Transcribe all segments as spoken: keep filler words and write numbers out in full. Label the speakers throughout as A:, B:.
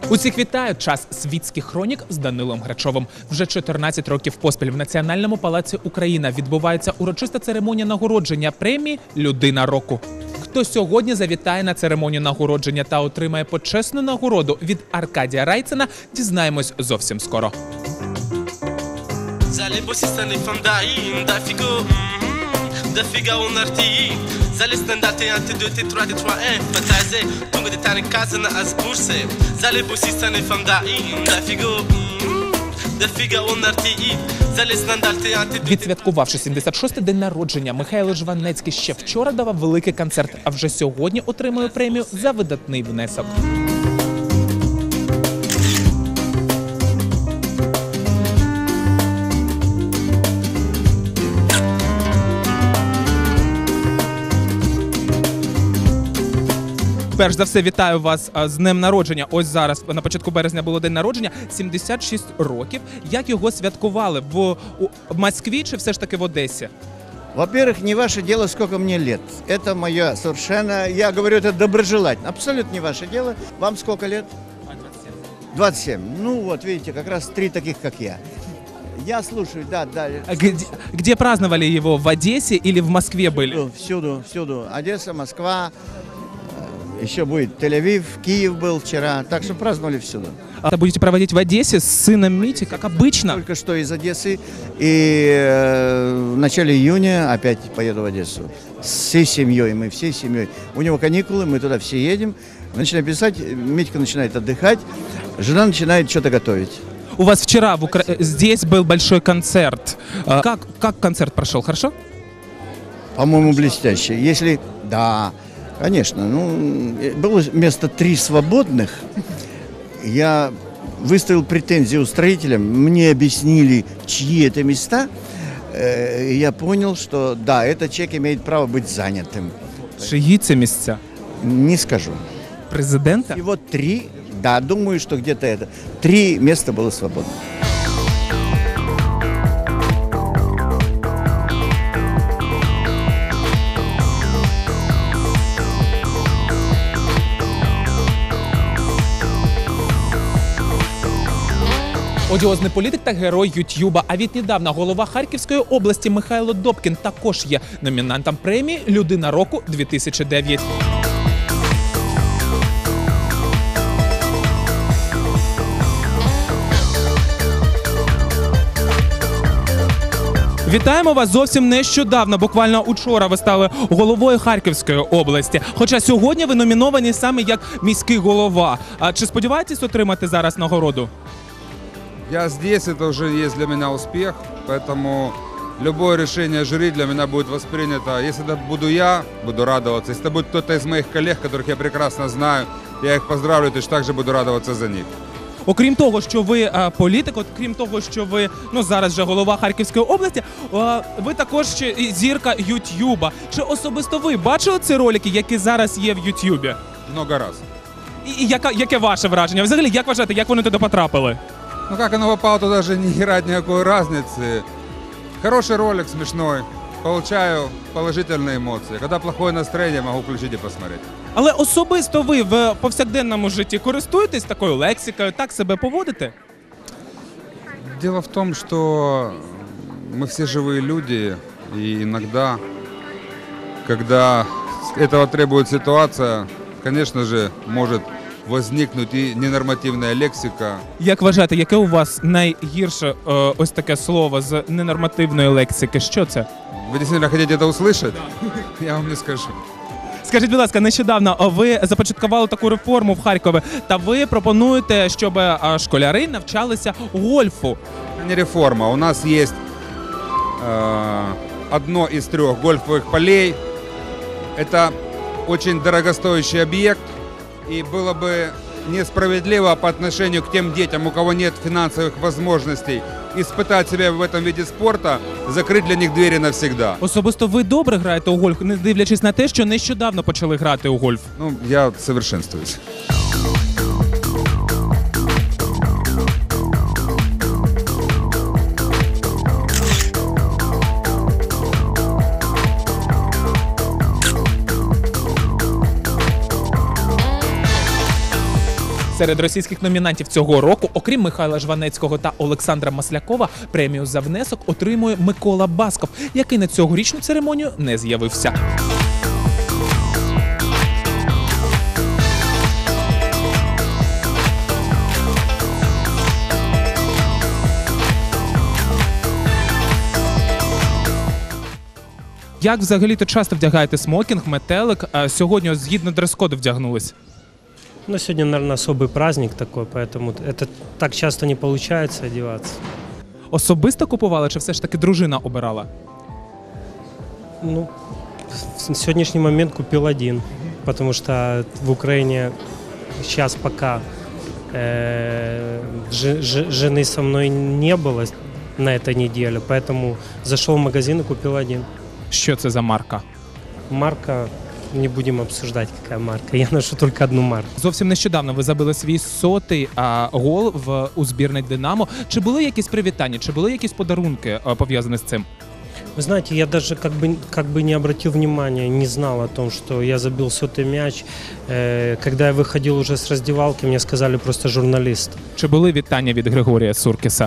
A: Усіх вітаю! Час світських хронік з Данилом Грачовим. Вже чотирнадцять років поспіль в Національному палаці Україна відбувається урочиста церемонія нагородження премії «Людина року». Хто сьогодні завітає на церемонію нагородження та отримає почесну нагороду від Аркадія Райцена, дізнаємось зовсім скоро. Відсвяткувавши сімдесят шостий день народження, Михайло Жванецький ще вчора давав великий концерт, а вже сьогодні отримує премію за видатний внесок. Перш за все, вітаю вас з днем народження. Ось зараз, на початку березня, було день народження, сімдесят шість років. Як його святкували? В Москві чи все ж таки в Одесі?
B: Во-первых, не ваше дело, сколько мне лет. Это мое совершенно, я говорю это доброжелательно. Абсолютно не ваше дело. Вам сколько лет?
A: двадцять сім.
B: двадцать семь. Ну вот, видите, как раз три таких, как я. Я слушаю, да, да.
A: Где, где праздновали его? В Одессе или в Москве были?
B: Всюду, всюду. Одесса, Москва. Еще будет Тель-Авив, Киев был вчера, так что праздновали всюду.
A: А будете проводить в Одессе с сыном Мити, как обычно?
B: Только что из Одессы, и э, в начале июня опять поеду в Одессу. С всей семьей, мы всей семьей. У него каникулы, мы туда все едем. Начинаем писать, Митька начинает отдыхать, жена начинает что-то готовить.
A: У вас вчера в Укра... здесь был большой концерт. Как, как концерт прошел, хорошо?
B: По-моему, блестяще. Если... Да... Конечно, ну, было место три свободных. Я выставил претензии устроителям, мне объяснили, чьи это места. Я понял, что да, этот человек имеет право быть занятым.
A: Чьи это места?
B: Не скажу.
A: Президента?
B: И вот три, да, думаю, что где-то это. Три места было свободно.
A: Одіозний політик та герой Ютюба, а віднедавна голова Харківської області Михайло Добкін також є номінантом премії «Людина року дві тисячі дев'ять». Вітаємо вас зовсім нещодавно, буквально учора ви стали головою Харківської області. Хоча сьогодні ви номіновані саме як міський голова. А чи сподіваєтесь отримати зараз нагороду?
C: Я здесь, это уже есть для меня успех, поэтому любое решение жюри для меня будет воспринято. Если это буду я, буду радоваться. Если это будет кто-то из моих коллег, которых я прекрасно знаю, я их поздравлю, то также буду радоваться за них.
A: Окрім того, що ви а, політик, окрім того, що ви ну зараз вже голова Харківської області, а, ви також ще і зірка Ютюба. Чи особисто ви бачили ці ролики, які зараз є в Ютюбі?
C: Много раз.
A: І, і яка, яке ваше враження? Взагалі, як вважаєте, як вони туди потрапили?
C: Ну как оно попало, туда даже не играть никакой разницы. Хороший ролик, смешной. Получаю положительные эмоции. Когда плохое настроение, могу включить и посмотреть.
A: Але особисто ви в повсякденному житті користуєтесь такою лексикою, так себе поводите?
C: Дело в том, что мы все живые люди, и иногда, когда этого требует ситуация, конечно же, может возникнуть і ненормативна лексика.
A: Як вважаєте, яке у вас найгірше е, ось таке слово з ненормативної лексики? Що це?
C: Ви дійсно хочете це услышати? Я вам не скажу.
A: Скажіть, будь ласка, нещодавно ви започаткували таку реформу в Харкові, та ви пропонуєте, щоб школяри навчалися гольфу.
C: Це не реформа. У нас є э, одно із трьох гольфових полей. Це дуже дорогостоящий об'єкт. И было бы несправедливо по отношению к тем детям, у кого нет финансовых возможностей, испытать себя в этом виде спорта, закрыть для них двери навсегда.
A: Особисто ви добре граєте у гольф, не дивлячись на те, що нещодавно почали грати у гольф?
C: Ну, я совершенствуюсь.
A: Серед російських номінантів цього року, окрім Михайла Жванецького та Олександра Маслякова, премію за внесок отримує Микола Басков, який на цьогорічну церемонію не з'явився. Як взагалі-то часто вдягаєте смокінг, метелик, а сьогодні ось згідно дрес-коду вдягнулись?
D: Ну, сегодня, наверное, особый праздник такой, поэтому это так часто не получается одеваться.
A: Особисто купували чи все ж таки дружина обирала?
D: Ну, в сегодняшний момент купил один, потому что в Украине сейчас пока э, ж- ж- жены со мной не было на этой неделе, поэтому зашел в магазин и купил один.
A: Що це за марка?
D: Марка, не будем обсуждать, какая марка, я ношу только одну марку.
A: Зовсім нещодавно ви забили свій сотий а, гол в, у збірний «Динамо». Чи були якісь привітання, чи були якісь подарунки а, пов'язані з цим?
D: Вы знаете, я даже как бы, как бы не обратил внимания, не знал о том, что я забил сотый мяч. Э, Когда я выходил уже с раздевалки, мне сказали просто журналист.
A: Чи були вітання від Григорія Суркіса?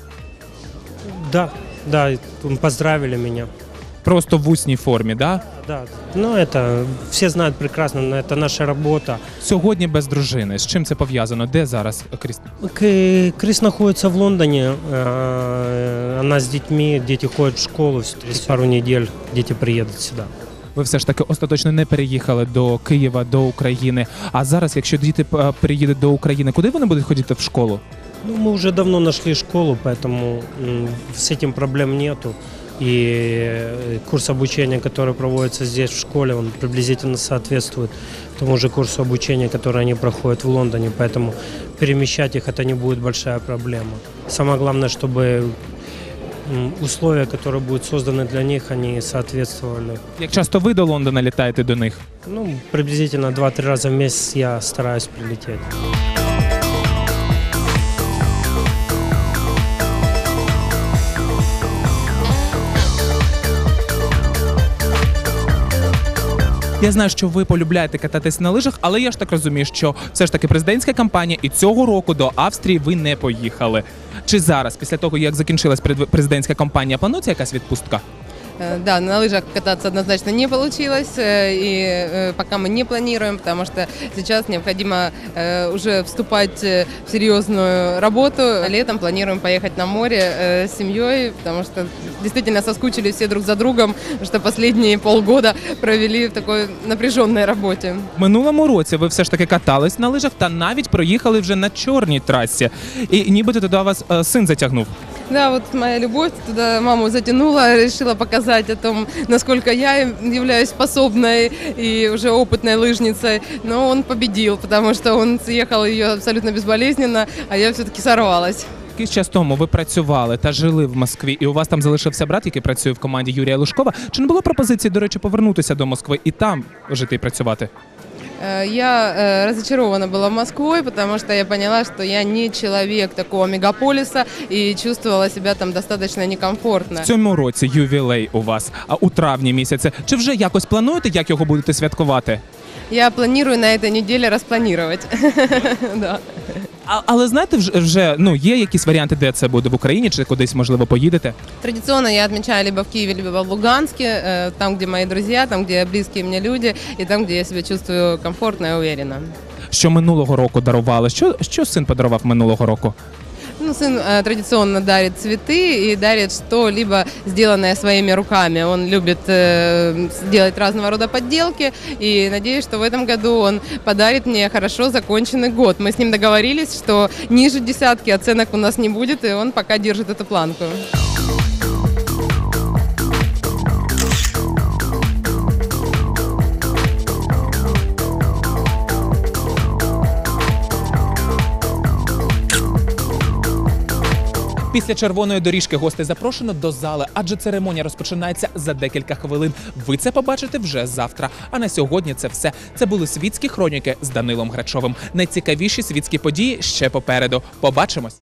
D: Да, да, поздравили меня.
A: Просто в усній формі, да?
D: Да, ну это все знают прекрасно, но это наша работа.
A: Сьогодні без дружини. З чим це пов'язано? Де зараз Кріс?
D: К- Крис находится в Лондоне, э, она с детьми, дети ходят в школу, через пару недель дети приедут сюда.
A: Ви все ж таки остаточно не переїхали до Києва, до України. А зараз, якщо діти е, переїдуть до України, куди вони будуть ходити в школу?
D: Ну, мы уже давно нашли школу, поэтому м, с этим проблем нету. И курс обучения, который проводится здесь в школе, он приблизительно соответствует тому же курсу обучения, который они проходят в Лондоне. Поэтому перемещать их это не будет большая проблема. Самое главное, чтобы м, условия, которые будут созданы для них, они соответствовали.
A: Як часто ви до Лондона літаєте до них?
D: Ну, приблизительно два-три раза в месяц я стараюсь прилететь.
A: Я знаю, що ви полюбляєте кататись на лижах, але я ж так розумію, що все ж таки президентська кампанія і цього року до Австрії ви не поїхали. Чи зараз, після того, як закінчилась пред- президентська кампанія, планується якась відпустка?
E: Э, Да, на лыжах кататься однозначно не получилось, э, и э, пока мы не планируем, потому что сейчас необходимо э, уже вступать э, в серьезную работу. Летом планируем поехать на море э, с семьей, потому что действительно соскучились все друг за другом, потому что последние полгода провели в такой напряженной работе.
A: В минулому році ви все ж таки катались на лижах та навіть проїхали вже на чорній трасі. І нібито туди вас е, син затягнув.
E: Да, вот моя любовь туда маму затянула, решила показать о том, насколько я являюсь способной и уже опытной лыжницей. Но он победил, потому что он съехал ее абсолютно безболезненно, а я все-таки сорвалась.
A: Якийсь час тому ви працювали та жили в Москві, і у вас там залишився брат, який працює в команді Юрія Лужкова. Чи не було пропозиції, до речі, повернутися до Москви і там жити і працювати?
E: Э, Я э, разочарована была Москвой, потому что я поняла, что я не человек такого мегаполиса и чувствовала себя там достаточно некомфортно.
A: В цьому році ювілей у вас, а у травні місяці. Чи вже якось плануєте, як його будете святкувати?
E: Я планирую на этой неделе распланировать. Да.
A: А, але знаєте, вже, вже ну, є якісь варіанти, де це буде в Україні, чи кудись, можливо, поїдете?
E: Традиционно я отмечаю либо в Киеве, либо в Луганске, э, там, где мои друзья, там, где близкие мне люди, и там, где я себя чувствую комфортно и уверенно.
A: Що минулого року дарували? Що, що син подарував минулого року?
E: Ну, сын э, традиционно дарит цветы и дарит что-либо сделанное своими руками. Он любит э, делать разного рода подделки, и надеюсь, что в этом году он подарит мне хорошо законченный год. Мы с ним договорились, что ниже десятки оценок у нас не будет, и он пока держит эту планку.
A: Після червоної доріжки гостей запрошено до зали, адже церемонія розпочинається за декілька хвилин. Ви це побачите вже завтра. А на сьогодні це все. Це були світські хроніки з Данилом Грачовим. Найцікавіші світські події ще попереду. Побачимось!